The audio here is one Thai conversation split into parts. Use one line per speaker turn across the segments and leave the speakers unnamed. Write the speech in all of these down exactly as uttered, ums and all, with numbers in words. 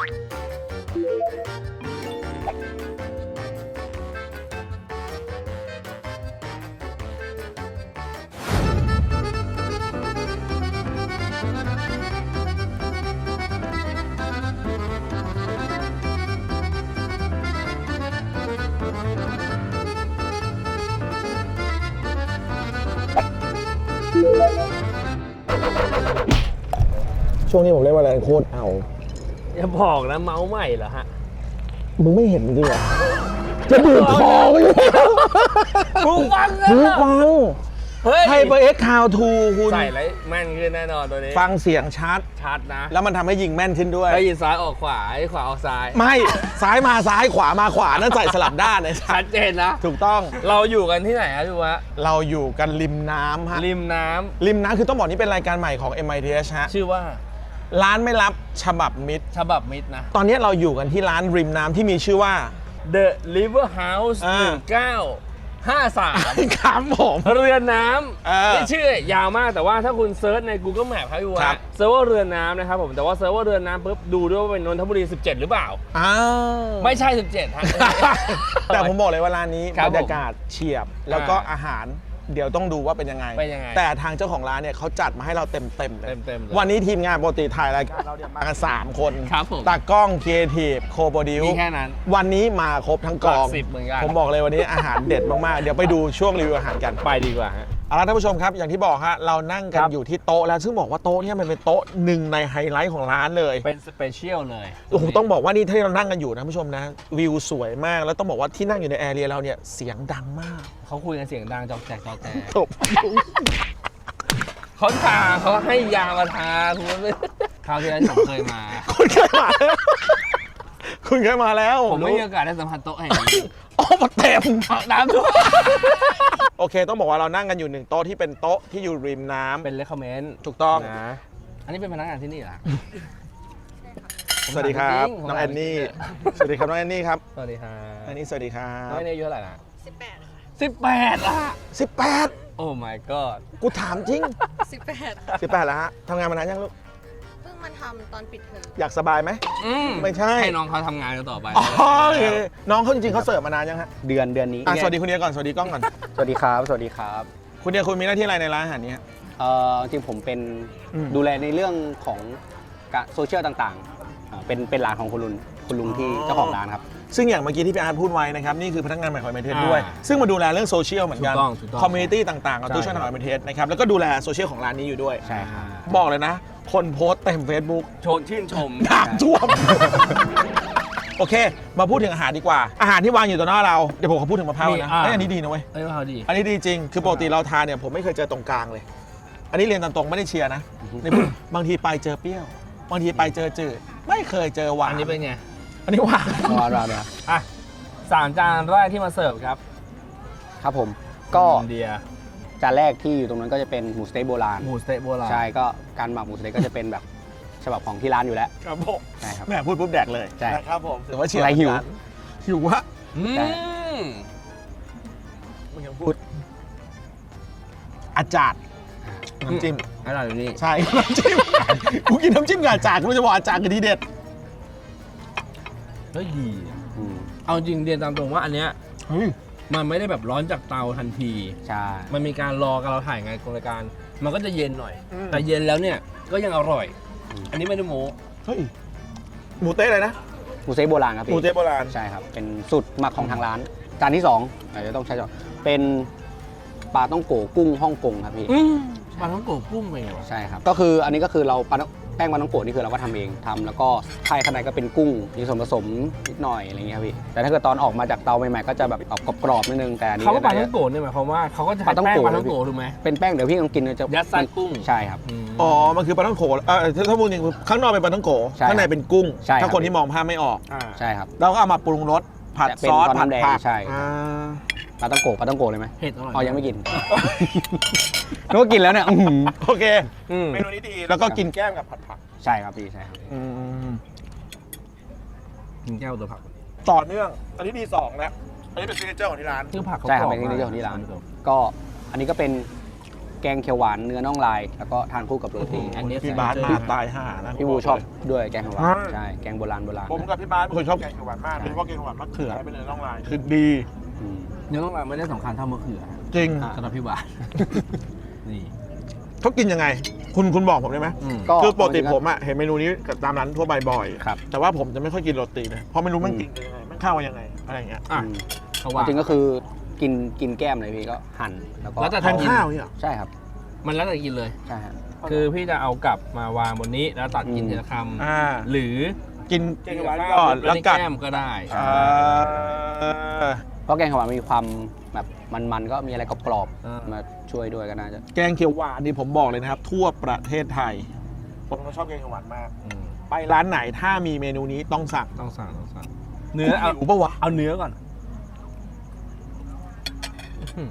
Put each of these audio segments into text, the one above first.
ช่วงนี้ผมเล่นว่าอะไรโคตรเอา
อย่าบอกนะเมาส์ใหม่เหรอฮะ
มึงไม่เห็นจริงเหรอจะดูดคอไปเลย
หูฟัง
หูฟังไฮเปอร์เอ็กซ์คาวทูคุณ
ใส่แล้วแม่นขึ้นแน่นอนตัวนี้
ฟังเสียงชัด
ชัดนะ
แล้วมันทำให้ยิงแม่นขึ้นด้วย
ได้ยินซ้ายออกขวาไอ้ขวาออกซ้าย
ไม่ซ้ายมาซ้ายขวามาขวานั่นใส่สลับด้านเลย
ชัดเจนนะ
ถูกต้อง
เราอยู่กันที่ไหนครับพี่วะ
เราอยู่กันริมน้ำฮะ
ริมน้ำ
ริมน้ำคือต้องบอกนี่เป็นรายการใหม่ของ เอ็ม ไอ ที เอช ฮะ
ชื่อว่า
ร้านไม่รับฉบับมิตร
ฉบับมิตรนะ
ตอนนี้เราอยู่กันที่ร้านริมน้ำที่มีชื่อว่า
The River House หนึ่งเก้าห้าสาม
ครับผม
เรือนน้ำนี่ชื่อยาวมากแต่ว่าถ้าคุณเซิร์ชใน Google Map ครับพี่วะเซิร์ฟเวอร์เรือนน้ำนะครับผมแต่ว่าเซิร์ฟเวอร์เรือนน้ำปุ๊บดูด้วยว่าเป็นนนทบุรีสิบเจ็ดหรือเปล่า
อ้าว
ไม่ใช่สิบเจ็ดฮะ
แต่ผมบอกเลยว่าร้านนี้บรรยากาศเฉียบแล้วก็อาหารเดี๋ยวต้องดูว่าเป็นยังไงแต่ทางเจ้าของร้านเนี่ยเขาจัดมาให้เราเต็มเต็มเลยวันนี้ทีมงานปกติถ่ายรายการเราเนี่ยมากันสามคนตากล้องครีเอทีฟโคโปรดิว
มีแค่นั้น
วันนี้มาครบทั้งกองผมบอกเลยวันนี้อาหารเด็ดมากๆเดี๋ยวไปดูช่วงรีวิวอาหารกัน
ไปดีกว่าฮะ
เอาล่ะท่านผู้ชมครับอย่างที่บอกฮะเรานั่งกันอยู่ที่โต๊ะแล้วซึ่งบอกว่าโต๊ะเนี่ยมันเป็นโต๊ะหนึ่งในไฮไลท์ของร้านเลย
เป็นสเปเชียลเลย
โอ้โหต้องบอกว่านี่ที่เรานั่งกันอยู่นะผู้ชมนะวิวสวยมากแล้วต้องบอกว่าที่นั่งอยู่ในแอเรียเราเนี่ยเสียงดังมาก
เขาคุยกันเสียงดังจอกแจกจอกแจก
จบ
เขาทาเขาให้ยามาทาคุณคราวที่แล้วผมเคยมา
คุณเคยมาคุณเคยมาแล้ว
ผมไม่มีโอกาสได้สัมผัสโต๊ะแห่งนี้
โอ้มาเต็ม
น้ำท่วม
โอเคต้องบอกว่าเรานั่งกันอยู่หนึ่งโต๊ะที่เป็นโต๊ะที่อยู่ริมน้ำ
เป็นเลคคอมเมนต์
ถูกต้อง
นะอันนี้เป็นพนักงานที่นี่เหรอ
สวัสดีครับน้องแอนนี่สวัสดีครับน้องแอนนี่ครับ
สวัสดีครับ
แอนนี่สวัสดีครับ
น้องแอนนี่อายุเท่าไหร่นะ
สิบแปด
สิบแปดอ่ะ
สิบแปด
โอ้ my god
กูถามจริง
สิบแปด
สิบแปดแล้วฮะทำงานมานานยังลูก
เพิ่งมาทำตอนปิดเทอม
อยากสบายไหมไม่ใช่
ให้น้องเขาทำงานกันต่อไป
อ๋อน้องเขาจริงๆเขาเสิร์ฟมานานยังฮะ
เดือนเดือนนี้
สวัสดีคุณเดียก่อนสวัสดีกล้องก่อน
สวัสดีครับสวัสดีครับ
คุณเดียคุณมีหน้าที่อะไรในร้านอาหารนี้
เออจริงผมเป็นดูแลในเรื่องของโซเชียลต่างๆเป็นเป็นร้านของคุณลุงคุณลุงที่เจ้าของร้านครับ
ซึ่งอย่างเมื่อกี้ที่พี่อาร์ตพูดไว้นะครับนี่คือพนักงานใหม่ของ เอ็ม ไอ ที เอช ด้วยซึ่งมาดูแลเรื่องโซเชียลเหมือนกันคอมมูนิตี้ต่างๆของตู้ช่วยของ เอ็ม ไอ ที เอช นะครับแล้วก็ดูแลโซเชียลของร้านนี้อยู่ด้วย
ใช่ครับ
บอกเลยนะคนโพสต์เต็ม Facebook
ชนชื่นชม
น้ำท่วมโอเคมาพูดถึงอาหารดีกว่าอาหารที่วางอยู่ต่อหน้าเราเดี๋ยวผมขอพูดถึงมะพร้าวนะอันนี้ดีนะเว้ย
อันนี้มะพร้าวดี
อันนี้ดีจริงคือปกติเราทานเนี่ยผมไม่เคยเจอตรงกลางเลยอันนี้เรียนตามตรงไม่ได้เชียร์นะในบางทีไปเจอเปรี้ยวบางทีไปเจอจืดไม่เคยเจอหวาน
อันนี้เป็นไง
อันนี้หวาน
หวานหวานเนี่ย
อ่ะสามจานแรกที่มาเสิร์ฟครับ
ครับผมก็
เดีย
จานแรกที่อยู่ตรงนั้นก็จะเป็นหมูสเต๊กโบราณ
หมูสเต๊กโบราณ
ใช่ก็การหมักหมูสเต๊กก็จะเป็นแบบฉบับของที่ร้านอยู่แล้ว
ครับผม
ใช่ครับ
แม่พูดปุ๊บแดกเลย
ใช่
ครับผมถือว่าเชียร์
อะไรหิว
หิววะ
อืม
มึงยังพูดอาจารย์น้ำจิ้ม
อร่อยอยู่นี่
ใช่น้ำจิ้มกูกินน้ำจิ้มกับอาจารย์กูจะบอกอาจารย์คือดีเด็ด
เฮ้ยดีเอาจริงเรียนตามตรงว่าอันเนี้ยมันไม่ได้แบบร้อนจากเตาทันที
ใช่
มันมีการรอกันเราถ่ายงานกองรายการมันก็จะเย็นหน่อยแต่เย็นแล้วเนี่ยก็ยังอร่อยอันนี้ไม่ได้โม้
เฮ้ยหมูเต๊ะอะไรนะ
หมูเต๊ะโบราณครับพี่
หมูเต๊ะโบราณ
ใช่ครับเป็นสูตรหมักของทางร้านจานที่สองอาจจะต้องใช้จานเป็นปลาต้องโกกุ้งฮ่องกงครับพี่
ปลาต้องโกกุ้งไปเหรอ
ใช่ครับก็คืออันนี้ก็คือเราปลาแป้งปลาต้องโกนี่คือเราก็ทำเองทำแล้วก็ไข่ข้างในก็เป็นกุ้งมีส่วนผสมนิดหน่อยอะไรเงี้ยพี่แต่ถ้าเกิดตอนออกมาจากเตาใหม่ๆก็จะแบบออกกรอบๆนิดนึงแต่อันนี้
เขาปลาต้องโกเนี่ยหมายความว่าเขาก็จะแป้งปลาต้องโกถูกไหม
เป็นแป้งเดี๋ยวพี่ลองกินจะ
ยัดใส่กุ้ง
ใช่ครับ
อ๋อมันคือปลาต้องโกเออถ้าพูดจริงข้างนอกเป็นปลาต้องโกข้างในเป็นกุ้งถ้าคนที่มองภาพไม่ออก
ใช่ครับ
เราก็เอามาปรุงรสผัดซอสผัดผัก
ใช่ปลาต้องโกปลาต้องโกเลยไหม
เผ็ดอร่อย
อ๋อยังไม่กินนึกว่ากินแล้วเนี่ย
โอเคเมนูนี้ดีแล้วก็กินแก้มกับผัดผัก
ใช่ครับพี่ใช่ครับ
กินแก้วตัวผัก
ต่อเนื่องอันนี้ดีสองแล้วอันนี้เป็นซิกเนเจอร์ของที่ร้าน
คือผัก
ใช่ครับเป็นซิกเนเจอร์ของที่ร้านก็อันนี้ก็เป็นแกงเขียวหวานเนื้อน่องลายแล้วก็ทานคู่กับโรตี
อันนี้
พี่บาสมาตายห่านะ
พี่บูชอบด้วยแกงเขียวหวานใช่แกงโบราณโบราณ
ผมกับพี่บาสเป็นคนชอบแกงเขียวหวานมากโดยเฉพาะแกงเขียวหวานมะเขือเป็นเนื้อน่องลายคือดี
อืม
เนื้อต้องไม่ได้สำคัญเท่ามะเขือ
จริง
สำหรับพี่บาสนี่
เขากินยังไง คุณคุณบอกผมได้ไหม
ก็
คือปกติผมอะเห็นเมนูนี้กับตามร้านทั่วไปบ่อย
ครับ
แต่ว่าผมจะไม่ค่อยกินโรตีนะเพราะไม่รู้มันกินยังไงมันเข้ากันยังไงอะไรอย่างเงี้ย
อ่ะ
อืม
เขาว่า
จริงก็คือกินกินแก้มเลยพี่ก็หั่นแล้วก็
แล้วแต่
แทนข้าวเนี่ยเหรอ
ใช่ครับ
มันแล้วแต่กินเลย
ใช่ฮะ
คือพี่จะเอากลับมาวางบนนี้แล้วตัดกิน
อืม
ทีละค
อ่า
ำหรือ
กินแกงเขียวหวานก่อนแล้วกัด
แก้มก็ได้
อ่า
เพราะแกงเขียวหวานมีความแบบมันๆก็มีอะไรกรอบ
อ่า
ๆมาช่วยด้วยก็น่าจะ
แกงเขียวหวานนี่ผมบอกเลยนะครับ ทั่วประเทศไทย ผมก็ชอบแกงเขียวหวานมาก
อืม
ไปร้านไหนถ้ามีเมนูนี้ต้องสั่ง
ต้องสั่งต้องสั่งเนื้อเอา
หิวปะวะ
เอาเนื้อก่อนอื้อหือ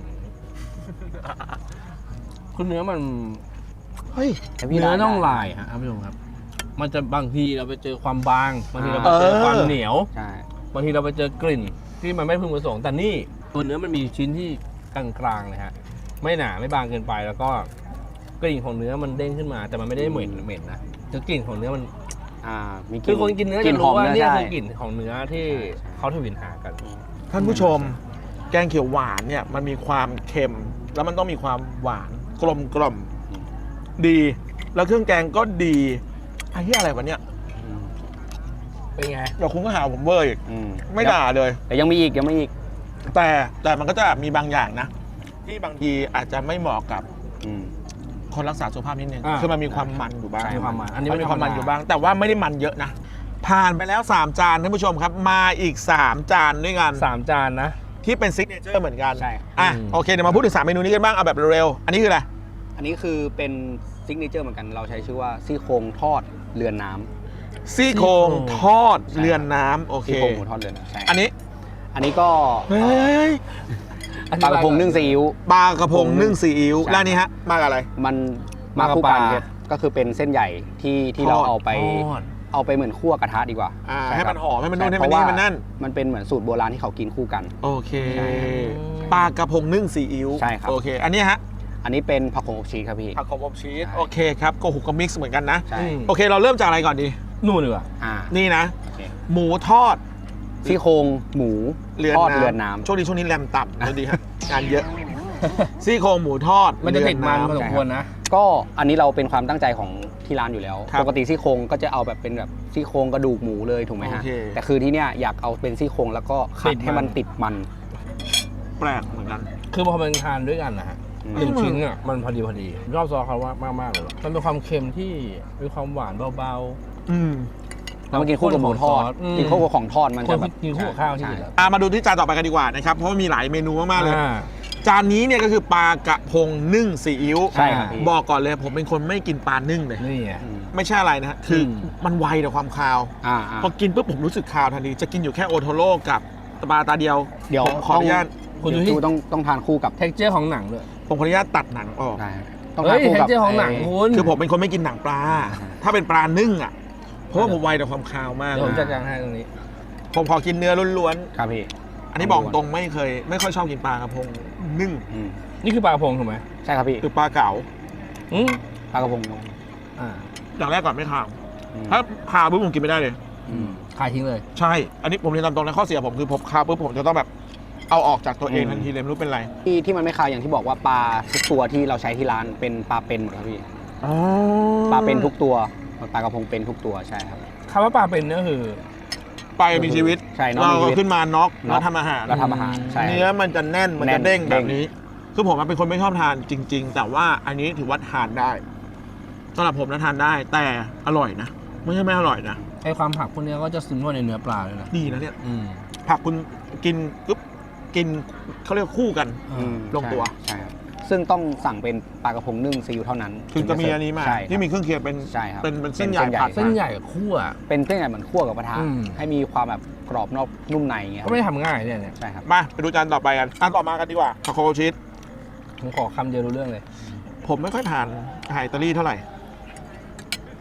คือเนื้อมัน
เฮ้ย
แต่พี่
เนื้อ
ได้
น่อง
ได้
ลายฮะท่านผู้ชมครับ มันจะบางทีเราไปเจอความบางบางทีเราไปเจอ
เออ
ความเหนียว
ใช่
บางทีเราไปเจอกลิ่นที่มันไม่พึงประสงค์แต่นี่ตัวเนื้อมันมีชิ้นที่กลางๆเลยฮะไม่หนาไม่บางเกินไปแล้วก็กลิ่นของเนื้อมันเด้งขึ้นมา แต่มันไม่ได้เหม็นเหม็นนะคือกลิ่นของเนื้อมัน
อ่ามีก
คื
ลิ่
อคนกินเนื้อ
ลิ่
จะรู้ว่า
หอม
เนี่ย
ใช่
คือกลิ่นของเนื้อที่เขาทวินหากัน
ท่านผู้ชม แกงเขียวหวานเนี่ยมันมีความเค็ม แล้วมันต้องมีความหวานกลมกล่อมดี แล้วเครื่องแกงก็ดีไอ้ที่อะไรวะเนี่ย
อืม
เป็นไง
เดี๋ยวคุณก็หาผมเวอร์อีก
อืม
ไม่ด่าเลย
แต่ยังมีอีกยังมีอีก
แต่แต่มันก็จะมีบางอย่างนะ ที่บางทีอาจจะไม่เหมาะกับ
อืม
คนรักษาสุขภาพนิดนึง
อ่า
คือมันมีความมันอยู่บ้าง
ใช่
มีความมันอันนี้
มัน
ไม่
มี
ธร
ความ
รม
มัน
ดา
อยู่บ้าง แต่ว่าไม่ได้มันเยอะนะ ผ่านไปแล้ว 3 จานท่านผู้ชมครับ มาอีก 3 จานด้วยกัน
สามจานนะ
ที่เป็นซิกเนเจอร์เหมือนกัน
ใช่
อ่ะ
อืม
โอเคเดี๋ยวมาพูดถึงสามเมนูนี้กันบ้างเอาแบบเร็วๆอันนี้คืออะไร
อันนี้คือเป็นซิกเนเจอร์เหมือนกันเราใช้ชื่อว่าซี่โครงทอดเรือนน้ำ
ซี่โครงทอดเรือนน้ำโอเค
ซี่โครงหมูทอดเรือนน้ำใช่
อันนี้
อันนี้ก็
เฮ้ย
ปลากระพงนึ่งซีอิ๊ว
ปลากระพงนึ่งซีอิ๊ว
ใช่
แล้วอันนี้ฮะมากับอะไร
มันมาคู่กันครับก็คือเป็นเส้นใหญ่ที่ที่เรา
ทอด
เอาไป
ทอด
เอาไปเหมือนคั่วกระทะดีกว่า
อ่า
ช่
ให้
ค
มั
รับ
นหอมให้มันนู่น
ช่
ให้มัน
เพราะ
นี่
ว่า
มันนั่น
มันเป็นเหมือนสูตรโบราณที่เขากินคู่กัน
โอเค
ใช่
ปลากระพงนึ่งซีอิ๊ว
ใช่ครับ
โอเค อันนี้ฮะ
อันนี้เป็นผักโขมอบชีสครับพี่
ผักขมอบชีส
ใช่
โอเคครับโกหุกก็มิกซ์เหมือนกันนะ
ใช่
อืม
โอเค เราเริ่มจากอะไรก่อนดี
นู่นดีกว่า
อ่า
นี่นะ
โอเค
หมูทอด
ซี่โครงหมู
เรือน
ทอด
น้ำ
เรือนน้ำ
ช่วงนี้ช่วงนี้แรมต่ำนะดีฮะ งานเยอะ ซี่โครงหมูทอด
มันจะติดมันพอ
เรื
ส
อ
มควรนะ
ก็อันนี้เราเป็นความตั้งใจของที่ร้านอยู่แล้ว
ครับ
ปกติซี่โครงก็จะเอาแบบเป็นแบบซี่โครงกระดูกหมูเลยถูกไหมฮะ
โอเค
แต่คือที่เนี้ยอยากเอาเป็นซี่โครงแล้วก็ขั
ติ
ด
ดมัน
ให้มันติดมัน
แปลกเหมือนกัน
คือพอมันทานด้วยกันนะฮะ
อืม
หนึ่งชิ้นอ่ะมันพอดีพอดีชอบซอสเขาว่ามากมากๆเลยว่ะมันเป็นความเค็มที่มีความหวานเบา
อืม
ๆ
แล้วมันกินคู่กับหมูทอด
ม
กินคู่กับของทอดมัน
ค
จะ
น
แบบ
กินคู่กับข้าวที่
ใช่
สุดแล้ว
อ่ะมาดูที่จานต่อไปกันดีกว่านะครับ เพราะว่ามีหลายเมนูมากๆเลย
อ่า
จานนี้เนี่ยก็คือปลากระพงนึ่งซีอิ๊ว
ใช่ครับพี่
บอกก่อนเลยผมเป็นคนไม่กินปลานึ่งเลย
นี่ไง
อืม
ไม่ใช่อะไรนะฮะคืออ
ม
มันไวต่อความคาว
อ่าอ่า
พอกินปุ๊บผมรู้สึกคาวทันที จะกินอยู่แค่โอโทโร่กับปลาตาเดียว
เดี๋ยว
ผมขออนุญาต
คุณดู
เดี๋ยว
ที่
ต้องต้องทานคู่กับ
เท็กเจอร์ของหนังด้วย
ผมขออนุญาตตัดหนังออก
ใช่ต้อง
เฮ้
ทาน
ย
คู่
เท็ก
กับ
เจอร์ของหนัง
ไ
คุณ
คือผมเป็นคนไม่กินหนังปลา ถ้าเป็นปลานึ่งอ่ะ เพราะว่าผมไวต่อความคาวมาก
เดี๋ยวผมจัดการให้ตรงนี้
ผมขอกินเนื้อล้วน
ครับพี่
ๆ อันนี้บอกตรงไม่เคย ไม่ค่อยชอบกินปลากระพงนึ่ง
อืม
นี่คือปลากระพงถูกไหม
ใช่ครับพี่
คือปลาเก๋า
อืม
ปลากระพง
อ่า
อย่างแรกก่อนไม่คาว
อืม
ถ้าคาวปุ๊บผมกินไม่ได้เลย
อืม
ขายทิ้งเลย
ใช่ อันนี้ผมเรียนตามตรงนะข้อเสียผมคือผมคาวปุ๊บผมจะต้องแบบเอาออกจากตัวเอง
อืม
ทันทีเลยไม่รู้เป็นไร
ที่ที่มันไม่คาวอย่างที่บอกว่าปลาทุกตัวที่เราใช้ที่ร้านเป็นปลาเป็นหมดครับพี่
อ๋อ
ปลาเป็นทุกตัวปลากระพงเป็นทุกตัวใช่ครับ
คำว่าปลาเป็นเนี่ยคือ
ไปมีชีวิต
ใช่น้อง
เรา
มีชี
ก็
วิต
ขึ้นมาน็อก
น็
แล้
อ
ว
ก
ทำอาหาร
แล้วทำอาหารใช่
เนื้อมันจะแน่นมัน
แน่
จะ
น
เด้งแบบ
เด้ง
นี้ คือผมเป็นคนไม่ชอบทานจริง ๆ แต่ว่าอันนี้ถือว่าทานได้สำหรับผมนะทานได้ แต่อร่อยนะไม่ใช่ไม่อร่อยนะ
ไอความผักพวกเนี้ยก็จะซึมเข้าในเนื้อปลาเลยนะ
ดีนะเนี่ย
อืม
ผักคุณกินปุ๊บกินเขาเรียกคู่กัน
อืม
ลงตัว
ใช่ครับซึ่งต้องสั่งเป็นปลากระพงนึ่งซีอิ๊วเท่านั้น
ถึงจะมีอันนี้มา
ใช่
ที่มีเครื่องเคียงเป็น
ใช่ครับ
เป็นเป็นเส้นใหญ่ผัด
เส้นใหญ่กับคั่ว
เป็นเส้นใหญ่เหมือนคั่วกับกระทะ
อืม
ให้มีความแบบกรอบนอกนุ่มในอย่างเงี้ย
ก็ไม่ทำง่ายเนี่ยเนี่ย
ใช่ครับ
มาไปดูจานต่อไปกันจานต่อมากันดีกว่าคาโคชีส
ผมขอคำเดียวรู้เรื่องเลย
ผมไม่ค่อยทานอาหารอิตาลีเท่าไหร่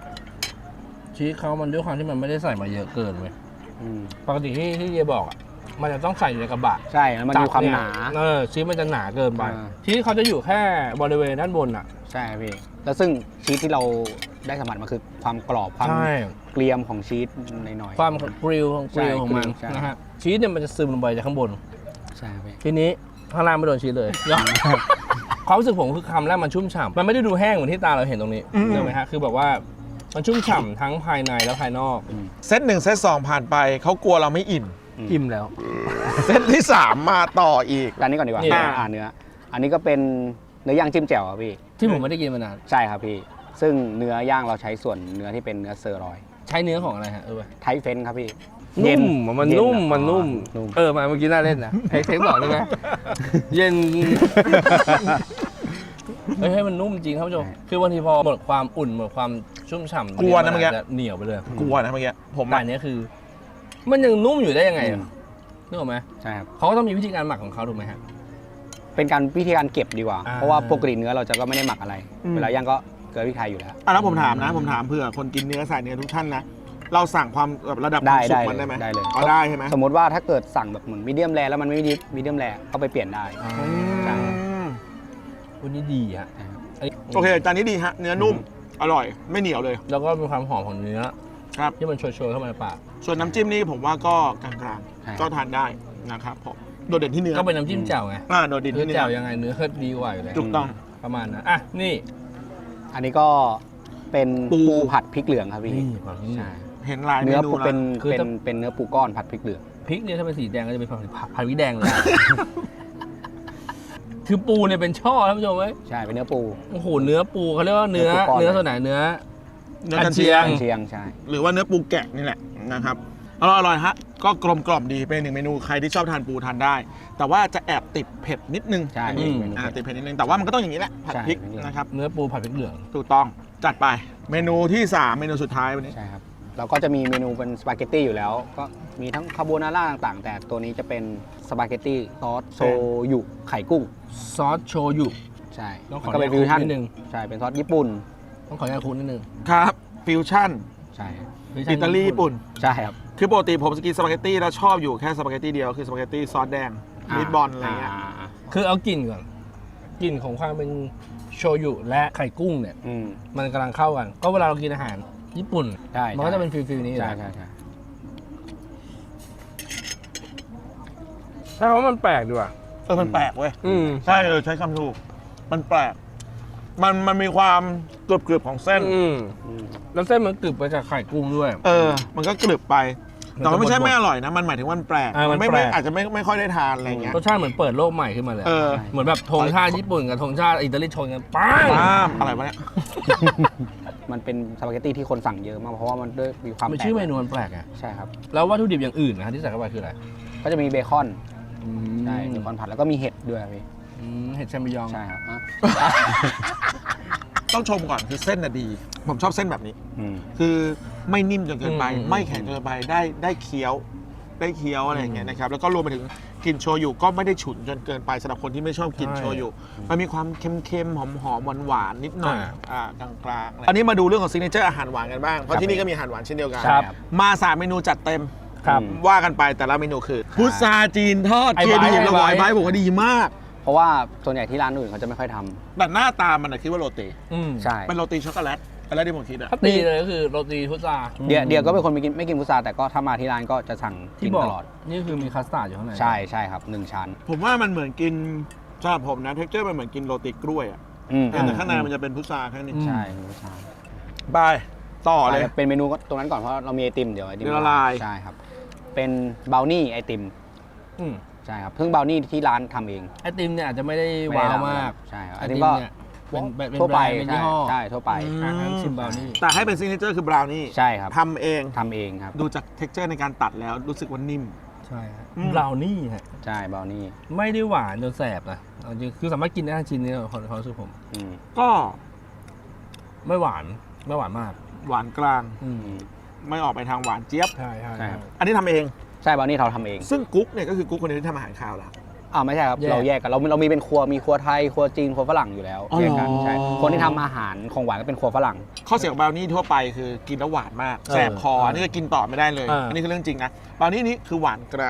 ชีสเขามันด้วยความที่มันไม่ได้ใส่มาเยอะเกินเว้ย
อืม
ปกติที่ที่เยบอกอ่ะมันจะต้องใส่อยู่ในกระบะ
ใช่แล้วมันมีความหนา
เออชีสมันจะหนาเกินไป
อ่า
ชีสเขาจะอยู่แค่บริเวณด้านบนอ่ะ
ใช่พี่แล้วซึ่งชีสที่เราได้สัมผัสมาคือความกรอบความ
ใช่
เกรียมของชีสหน่อยๆ
ความกริลของกริล
ใช่
ของมัน
ใช่
นะฮะชีสเนี่ยมันจะซึมลงไปจากข้างบน
ใช่พี่
ทีนี้ข้างล่างไม่โดนชีสเลย ความรู้สึกผมคือคำแรกมันชุ่มฉ่ำมันไม่ได้ดูแห้งเหมือนที่ตาเราเห็นตรงนี้
อืม
เห็นไหมฮะคือแบบว่ามันชุ่มฉ่ำทั้งภายในและภายนอก
เซตหนึ่งเซตสองผ่านไปเขากลัวเราไม่อิ่ม
อิ่มแล้ว
เซตที่สามมาต่ออีก
ร้านนี้ก่อนดีกว่า
นี่
อ่าเนื้อ อันนี้ก็เป็นเนื้อย่างจิ้มแจ่วครับพี่
ที่ผมไม่ได้กินมานาน
ใช่ครับพี่ ซึ่งเนื้อย่างเราใช้ส่วนเนื้อที่เป็นเนื้อเซอร์รอย
ใช้เนื้อของอะไรฮะเออ
ไทเฟนครับพี่
นุ่มอะมันนุ่ม
เย็
มันนุ่ม
อ๋อนุ่ม
เออมาเมื่อกี้น่าเล่นนะเทคเทคบอกได้ไหมเย็นเฮ้ยให้มันนุ่มจริงครับผู้ชมคือบางทีพอหมดความอุ่นหมดความชุ่มฉ่ำ
กลัวนะเมื่อกี้
าจจะเหนียวไปเลย
กลัวนะเมื่อกี้ผม
แต่
อะ
อันเนี้ยคือ มันยังนุ่มอยู่ได้ยังไง
อื
อะ
ม
นึกออกไหม
ใช่ครับ
เขาก็ต้องมีวิธีการหมักของเขาถูกไหมฮะ
เป็นการวิธีการเก็บดีกว่า
อ่า
เพราะว่าปกติเนื้อเราจะก็ไม่ได้หมักอะไร เวลาย่างก็เกลือพริกไทยอยู่แล้ว
อ่ะแล้วผมถามนะ ผมถามเผื่อคนกินเนื้อสายเนื้อทุกท่านนะ เราสั่งความแบบระดับค
ได้
วามสุ
ได้
กมันได้ไหม
ได้เลย
อ๋อได้ใช่ไหม
สมมติว่าถ้าเกิดสั่งแบบเหมือนมีเดียมแรแล้วมันไม่มีมีเดียมแรก็ไปเปลี่ยนได้
อ่า
ใช่
อืม
วันนี้ดีฮะ
ใช่ครับ
อันนี้
โอเคจานนี้ดีฮะ เนื้อนุ่ม อร่อย ไม่เหนียวเลย
แล้วก็มีความหอมของเนื้อ
ครับ
ที่มันโชยๆเข้ามาในปาก
ส่วนน้ำจิ้มนี่ผมว่าก็กลาง
ใช่
ๆ ก็ทานได้นะครับผมโดดเด่นที่เนื้อ
ก็เป็นน้ำจิ้มแจ่วไง
อ่าโดดเด่น
เนื้อ
ที่เนื้
แจ่
อ
วยังไงเนื้อก็ดีกว่าอยู่แล้ว
ถูกต้อง
ประมาณนั้นอ่ะนี่
อันนี้ก็เป็น
ปู
ปูผัดพริกเหลืองครับพี่
นี่ความนี่
ใช่
เห็นลายเม
เนื้อ
นู
ปู
แล้ว
เป็น
คือ
เป็น
ถ้า
เป็นเนื้อปูก้อนผัดพริกเหลือง
พริกเนี่ยถ้าเป็นสีแดงก็จะเป็นผัดผัดพริกแดงเลย คือปูเนี่ยเป็นช่อท่านผู้ชมไหม
ใช่เป็นเนื้อปู
โอ้โหเนื้อปูเขาเรียกว่าเนื้อ
เนื้อปูก้อน
เนื้อส่วนไหนเนื้อ
เนื้อ
กั
กัน
นเชี
เชีย
ย
ง
ง
เชียงใช่
หรือว่าเนื้อปูแกะนี่แหละนะครับอร่อยอร่อยฮะ ก็กลมกล่อมดีเป็นหนึ่งเมนูใครที่ชอบทานปูทานได้ แต่ว่าจะแอบติดเผ็ดนิดนึง
ใช่
อันนี้
เมนู
อ่า
เผ็ด
ติดเผ็ดนิดนึงแต่ว่ามันก็ต้องอย่างนี้แหละผัด
ใช่
พริก
พริกเหลือง
นะครับ
เนื้อปูผัดพริกเหลือง
ถูกต้องจัดไปเมนูที่สามเมนูสุดท้ายวันนี้
ใช่ครับเราก็จะมีเมนูเป็นสปาเกตตี้อยู่แล้ว ก็มีทั้งคาโบนาร่าต่างๆ แต่ตัวนี้จะเป็นสปาเกตตี้ซอสโชยุไข่กุ้ง
ซอสโชยุ
ใช่
ต้องขอ
มันก็เป็นฟิวชั่น
นิดนึง
ใช่เป็นซอสญี่ปุ่น
ต้องขออนุญาตคุณนิดนึง
ครับฟิวชั่น
ใช่
อิตาลีญี่ปุ่น
ใช่ครับ
คือปกติผมจะกินสปาเกตตี้แล้วชอบอยู่แค่สปาเกตตี้เดียวคือสปาเกตตี้ซอสแดงมิตบอลอะไรเงี้ย
า
คือเอากลิ่นก่อนกลิ่นของความเป็นโชยุและไข่กุ้งเนี่ย
อืม
มันกำลังเข้ากัน ก็เวลาเรากินอาหารญี่ปุ่น
ใช่
มันก็จะเป็นฟิลฟิลนี้
ใช่
แหละ
ใช่ใช่
ใช่เพราะมันแปลกดีว่ะ
เออมันแปลกเว้ย
อืม
ใช่เออใช้คำถูกมันแปลกมันมันมีความกรึบๆของเส้น
อืม
อืม
แล้วเส้นมันกรึบไปจากไข่กุ้งด้วย
เออ มันก็กรึบไป แต่ว่าไม่ใช่
มันจะบดๆ
ไม่อร่อยนะ มันหมายถึงว่ามันแปลก
อ่ามัน
ไม่
แปล
ไม่
ก
อาจจะไม่ไม่ค่อยได้ทานอะไรเงี้ย
รสชาติเหมือนเปิดโลกใหม่ขึ้นมาเลย
เออ
เหมือนแบบธงชาติญี่ปุ่นกับธงชาติอิตาลีชนกันปัง
ป้ามอะไรวะเนี่ย
มันเป็นสปาเกตตี้ที่คนสั่งเยอะมากเพราะว่ามันด้วยมีความ
มัน
แปลก
ชื่อเมนูมันแปลกไง
ใช่ครับ
แล้ววัตถุดิบอย่างอื่นนะฮะที่ใส่เข้าไปคืออะไร
ก็จะมีเบคอนใช่เบคอนผัดแล้วก็มีเห็ดด้วยครับพี่
อืมเห็ดแชมปิญอง
ใช่ครับอ่ะ
ต้องชมก่อนคือเส้นน่ะดี ผมชอบเส้นแบบนี้
อืม
คือไม่นิ่มจนเกินไป ไม่แข็งจนเกินไปได้ได้เคี้ยว ได้เคี้ยวอะไรอย่างเงี้ยนะครับแล้วก็รวมไปถึงกลิ่นโชยุก็ไม่ได้ฉุนจนเกินไปสำหรับคนที่ไม่ชอบกลิ่นโชยุมันมีความเค็มๆหอมๆหวานๆนิดหน่อยอ่ากลางๆอันนี้มาดูเรื่องของซิกเนเจอร์อาหารหวานกันบ้างเพราะที่นี่ก็มีอาหารหวานเช่นเดียวกัน
ครับ
มาสามเมนูจัดเต็ม
ครับ
ว่ากันไปแต่ละเมนูคือพุทราจีนทอด
ไอ้
เกียร์ดี
ไบร์ท
แล้วบอย
ไอ้ไบ
ไบ
ร์ท
บอกว่าดีมาก
เพราะว่าส่วนใหญ่ที่ร้านอื่นเขาจะไม่ค่อยทำ
แต่หน้าตามันนะคิดว่าโรตี
อืม
ใช่
เป็นโรตีช็อกโกแลตอะไรที่ผมคิดอะ
ถ้าตีเลยก็คือโรตีพุทรา
เดียเดียก็เป็นคนไม่กินไม่กินพุทราแต่ก็ถ้ามาที่ร้านก็จะสั่งกิ
ที่
น
บอก
ตลอด
นี่คือมีคัสตาร์ดอยู่ข้างใน
ใช่ใช่ครับหนึ่งชั้น
ผมว่ามันเหมือนกินสำหรับผมนะเท็กเจอร์มันเหมือนกินโรตีกล้วยอะ
อืม
แต่ข้างในมันจะเป็นพุทราแค่นี้
ใช่เป็นพุทรา
บายต่อเลย
เป็นเมนูตรงนั้นก่อนเพราะเรามีไอติมเดี๋ยวไอติม
เดี๋ยวละลาย
ใช่ครับ เป็นบราวนี่ไอติม
อืม
ใช่ครับเพิ่งบราวนี่ที่ร้านทำเอง
ไอติมเนี่ยอาจจะไม่ได้
ไได้
ว้าว
ทำ
มาก
ใช่ครับ
ไอ
ไอ
ติ
ติ
ม
มก็
เนี่ยเป็นเป็นเป็น
ทั่วไป
แบรนด์เป็น
ใช่
ยี่ห้อ
ใช่ทั่วไป
อืม
อ่ะงั้นชิมบราวนี่
แต่ให้เป็นซิกเนเจอร์คือบราวนี่
ใช่ครับ
ทำเอง
ทำเองครับ
ดูจากเท็กเจอร์ในการตัดแล้วรู้สึกว่านิ่ม
ใช่ครับ
อืม
บราวนี่ฮะ
ใช่บราวนี่
ไม่ได้หวานจนแสบนะเอาจริงคือสามารถกินได้ทั้งชิ้นนี้ความความรู้สึกผม
อืม
ก็
ไม่หวานไม่หวานมาก
หวานกลาง
อืม
ไม่ออกไปทางหวานเจี๊ยบ
ใช่ใช่
ใช่ครับ
อันนี้ทำเอง
ใช่บราวนี่เราทำเอง
ซึ่งกุ๊กเนี่ยก็คือกุ๊กคนเดียวที่ทำอาหารคาวแล้ว
อ่าไม่ใช่ครับ
แยก
เราแยกกันเราเรามีเป็นครัวมีครัวไทยครัวจีนครัวฝรั่งอยู่แล้ว
อ๋อ
แยกกัน
เหรอ
ใช่คนที่ทำอาหารของหวานก็เป็นครัวฝรั่ง
ข้อเสียของบราวนี่ทั่วไปคือกินแล้วหวานมาก
เออ
แสบคอ
เอออั
อันนี้ก็กินต่อไม่ได้เลย
เอออั
อันนี้คือเรื่องจริงนะบราวนี่นี้คือหวานกลาง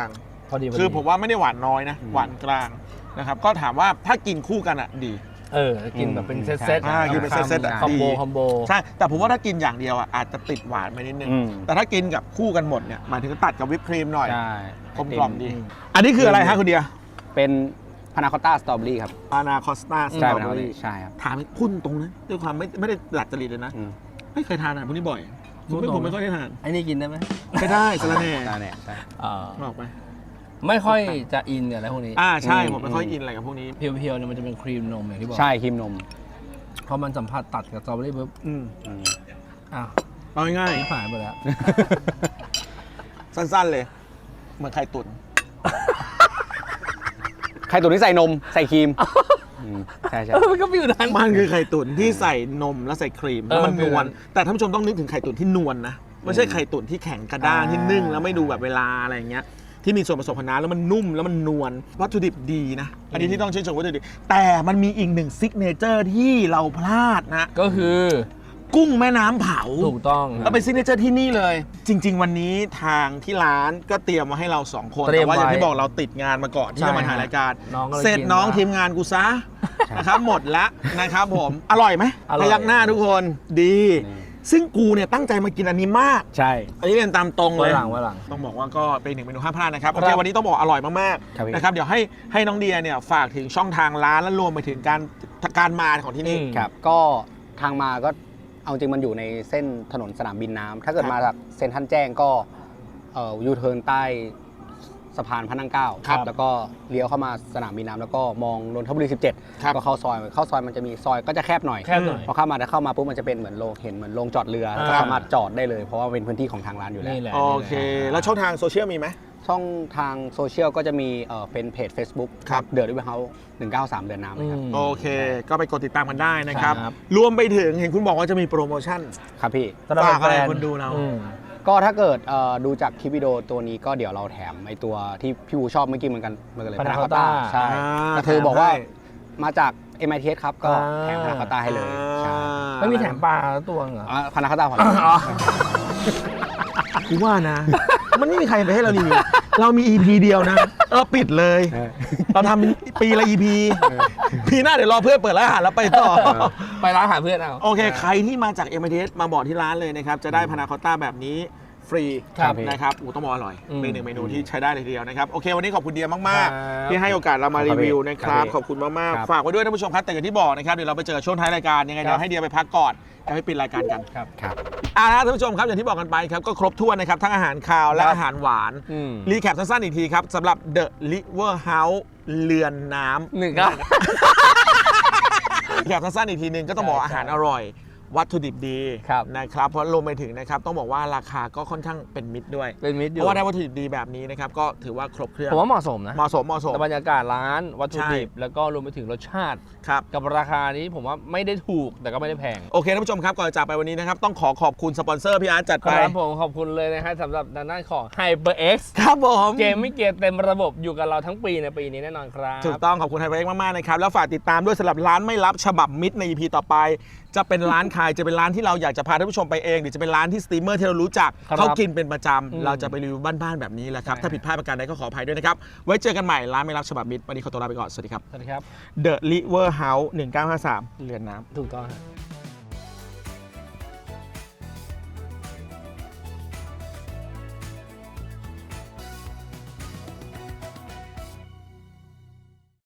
พอดีพอดี
คือผมว่าไม่ได้หวานน้อยนะ หวานกลางนะครับก็ถามว่าถ้ากินคู่กันอ่ะดี
เออกินแบบเป็นเซตเซต
อ่ากินเป็นเซตๆอ่ะ
คอมโบ
ดี
คอมโบ
ใช่แต่ผมว่าถ้ากินอย่างเดียวอ่ะอาจจะติดหวานไปนิดนึง
อืม
แต่ถ้ากินกับคู่กันหมดเนี่ยหมายถึงตัดกับวิปครีมหน่อย
ใช่
กลมกล่อมดี อันนี้คืออะไรฮะคุณเดีย
เป็นพานาคอตต้าสตรอเบอรี่ครับ
อานาคอสตาสต
ใช่
รอ
เป็น
เบอ
อะไร
รี่
ใช่ครับ
ถามพุ่นตรงนะด้วยความไม่ไม่ได้หลักจริตเลยนะ
อืม
ไม่เคยทานอาหารพวกนี้บ่อย
พู
ผม
ด
ไม่
ตรง
ผมไม่ค่อยได้ทาน
ไอ้นี่กินได้ไหม
ไม่ได้สละแหน่
ใช่เนี่ยใช่
เออ
บอกไป
ไม่ค่อยจะอินกับอะไรพวกนี้
อ่าใช่
อืม
ผมไม่ค่อยอินอะไรกับพวกนี้
เพียวๆเนี่ยมันจะเป็นครีมนมอย่างที่บอก
ใช่ครีมนม
พอมันสัมผัสตัดกับสตรอเบอรี่ปุ๊บ
อืม
อืม
อ้าว
เอาง่าย
นี่ผ่านไปแล้ว
ๆสั้นๆเลย เหมือนไข่ตุ๋น
ไข่ตุ๋นที่ใส่นมใส่ครีมอืมใช่ใช่
เออมันก็ฟิวนั้น
มันคือไข่ตุ๋นที่ใส่นมแล้วใส่ครีมแล้วมัน
เออน
วล
เป็น
แต่ท่านผู้ชมต้องนึกถึงไข่ตุ๋นที่นวลนะไม่ใช่ไข่ตุ๋นที่แข็งกระด้าง
อ่า
ที่นึ่งแล้วไม่ดูแบบเวลาอะไรอย่างเงี้ยที่มีส่วนผสมของน้ำแล้วมันนุ่มแล้วมันนวลวัตถุดิบดีนะอันนี้ที่ต้องชื่นชมวัตถุดิบแต่มันมีอีกหนึ่งซิกเนเจอร์ที่เราพลาดนะ
ก็คือ
กุ้งแม่น้ำเผา
ถูกต้อง
แล้วเป็นซิกเนเจอร์ที่นี่เลย จริง ๆ วันนี้ทางที่ร้านก็เตรียมมาให้เราสองคน
เตรีย
แต่
ม
ว่าอย่าง
ไว้
ที่บอกเราติดงานมาก่อนที่จะมาถ่ายรายการ
น้องก็เลย
เสร็จ
กิน
น้อง
ละ
ทีมงานกูซะนะครับหมดแล้วนะครับผมอร่อยไหม
อร่อย
พยักหน้าทุกคนดี ซึ่งกูเนี่ยตั้งใจมากินอันนี้มาก
ใช่
อันนี้เรียนตามตรงเล
ไว้
ย
หลังไว้หลัง
ต้องบอกว่าก็เป็นหนึ่งเมนูห้ามพลาดนะครับ
ครั
โอบ เควันนี้ต้องบอกอร่อยมาก
ครับพี่
ๆนะครับเดี๋ยวให้ให้น้องเดียเนี่ยฝากถึงช่องทางร้านและรวมไปถึงการการมาของที่นี่
อืม
ครับก็ทางมาก็เอาจริงมันอยู่ในเส้นถนนสนามบินน้ำถ้าเกิด
ครับ
มาจากเซ็นทรัลแจ้งก็เอ่อยูเทิร์นใต้สะพานพระนั่งเกล้า
ครับ
แล้วก็เลี้ยวเข้ามาสนามบินน้ำแล้วก็มองนนทบุรีสิบเจ็ด
ครับ
ก็เข้าซอยเข้าซอยมันจะมีซอยก็จะแคบหน่อย
แคบหน่อย
พอเข้ามาถ้าเข้ามาปุ๊บมันจะเป็นเหมือนโรงเห็นเหมือนโรงจอดเรือ
อ่า
ก็สามารถจอดได้เลยเพราะว่าเป็นพื้นที่ของทางร้านอยู่แล้ว
นี่แหละ
โอเค แล้วช่องทางโซเชียลมีไหม
ช่องทางโซเชียลก็จะมีเอ่อเป็นเพจ Facebook
ครับ
เดอะริเวอร์เฮาส์หนึ่งเก้าสามเดือนน้ำเลยครับ
โอเค ก็ไปกดติดตามกันได้นะครับ
ครับ
รวมไปถึงเห็นคุณบอกว่าจะมีโปรโมชั่น
ครับพี่
สำหรับ
ฝากอะไร
แฟน
คนดูเรา
อืม
ก็ถ้าเกิดเอ่อดูจากคลิปวิดีโอตัวนี้ก็เดี๋ยวเราแถมไอตัวที่พี่วูชอบเมื่อกี้เหมือนกันเหมือนกันเลย
Panna
Panna
Cotta
Cotta ใช่
อ่า
ก็คือบอกว่า
แถมให้
มาจาก เอ็ม ไอ ที เอส ครับ ก็
อ่า
แถมพานาคอตต้าให้เลยใช่
ไม่มีแถมปลาตัวเหรอ
พานาคอตต้าพอ
อ๋อ
กูว่านะ มันไม่มีใครไปให้เรารีวิวเรามี อี พี เดียวนะเออปิดเลย เราทำปีละ อี พี ปีหน้าเดี๋ยวรอเพื่อนเปิดร้านอาหารแล้วไปต่อ
ไปร้านอาหารเพื่อนเอา
โอเค ใครที่มาจาก เอ็ม ไอ ที เอส มาบอกที่ร้านเลยนะครับ จะได้พานาคอตต้าแบบนี้ฟรี
ครับ
นะครับอูต้องบอกอร่อย
อืม
เป็นหนึ่งเมนูที่ใช้ได้เลยทีเดียวนะครับ โอเค วันนี้ขอบคุณเดียมาก
ครับ
ๆ ที่ให้โอกาสเรามารีวิวนะครับ ขอบคุณมาก
ครับ
ๆ ฝากไว้ด้วยท่านผู้ชมครับ แต่อย่างที่บอกนะครับ เดี๋ยวเราไปเจอช่วงท้ายรายการ ยังไงเดี๋ยวให้เดียไปพักก่อนแล้วไปปิดรายการกัน
ครับ
ครับ
อ่าท่านผู้ชมครับ อย่างที่บอกกันไปครับ ก็ครบถ้วนนะครับ ทั้งอาหารคาวและ
ครับ
อาหารหวาน
อืม
รีแคปสั้นๆอีกทีครับสำหรับ The River House เรือนน้ำ
หนึ่งครับ
รีแคปสั้นๆอีกทีหนึงก็ต้องบอกว่าอาหารอร่อย วัตถุดิบดี
ครับ
นะครับเพราะรวมไปถึงนะครับต้องบอกว่าราคาก็ค่อนข้างเป็นมิตรด้วย
เป็นมิตรอ
เพ
ยู่
ราะว่าได้วัตถุดิบดีแบบนี้นะครับก็ถือว่าครบเครื่อง
ผมว่าเหมาะสมนะ
เหมาะสมเหมาะสม
แต่บรรยากาศร้านวัตถุดิบ
ใช่
แล้วก็รวมไปถึงรสชาติ
ครับ
กับราคานี้ผมว่าไม่ได้ถูกแต่ก็ไม่ได้แพง
โอเคท่านผู้ชมครับก่อนจะจากไปวันนี้นะครับต้องขอขอบคุณสปอนเซอร์พี่อาร์ตจัด
ค
ไป
รับผมขอบคุณเลยนะฮะสำหรับด้านหน้าของ HyperX
ครับผม
เกมไม่เกียร์เต็มระบบอยู่กับเราทั้งปีในปีนี้แน่นอนครับ
ถูกต้องขอบคุณไฮเปอร์เอ็กซ์มากๆนะครับแล้วฝากติดตามด้วยสำหรับร้านไม่รับฉบับมิตรใน อี พี ต่อไป จะเป็นร้านขายจะเป็นร้านที่เราอยากจะพาท่านผู้ชมไปเองหรือจะเป็นร้านที่สตรีมเมอร์ที่เรารู้จัก
ครับ
เขากินเป็นประจ
อืม
ำเราจะไปรีวิวบ้านๆแบบนี้แหละครับ
ใช่
ถ้าผิดพลาดประการใดก็ขออภัยด้วยนะครับไว้เจอกันใหม่ร้านไม่รับฉบับมิตรวันนี้ขอตัวลาไปก่อนสวัสดีครับ
สวัสดีครับ
The River House หนึ่งเก้าห้าสามเรือนน้ำ
ถูกต้องครับ